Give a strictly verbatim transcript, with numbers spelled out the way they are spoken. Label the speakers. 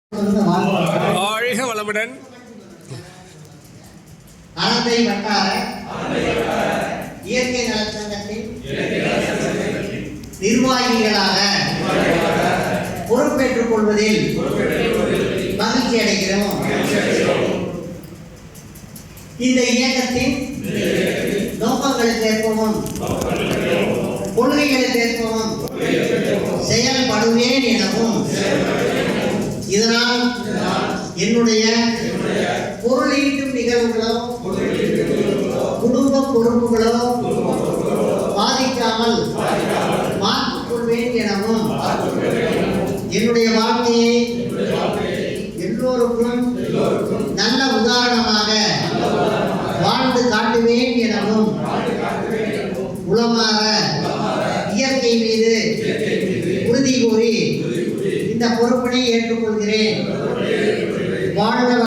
Speaker 1: வாழ்க வளமுடன்.
Speaker 2: ஆனந்தை வட்டார இயற்கை நலச்சங்கத்தின் நிர்வாகிகளாக பொறுப்பேற்றுக் கொள்வதில் மகிழ்ச்சி அடைகிறோம். இந்த இயக்கத்தின் நோக்கங்களுக்கு ஏற்பவும் கொள்கைகளுக்கு ஏற்பவும் செயல்படுவேன் எனவும் இதனால் என்னுடைய பொருள் ஈட்டும் நிகழ்வுகளோ குடும்ப பொறுப்புகளோ பாதிக்காமல் மாற்றிக் கொள்வேன் எனவும் என்னுடைய வாழ்க்கையை எல்லோருக்கும் நல்ல உதாரணமாக வாழ்ந்து காட்டுவேன் எனவும் உளமாற இயற்கை மீது உறுதி கூறி இந்த பொறுப்பினை ஏற்றுக்கொள்கிறேன். வாழ்க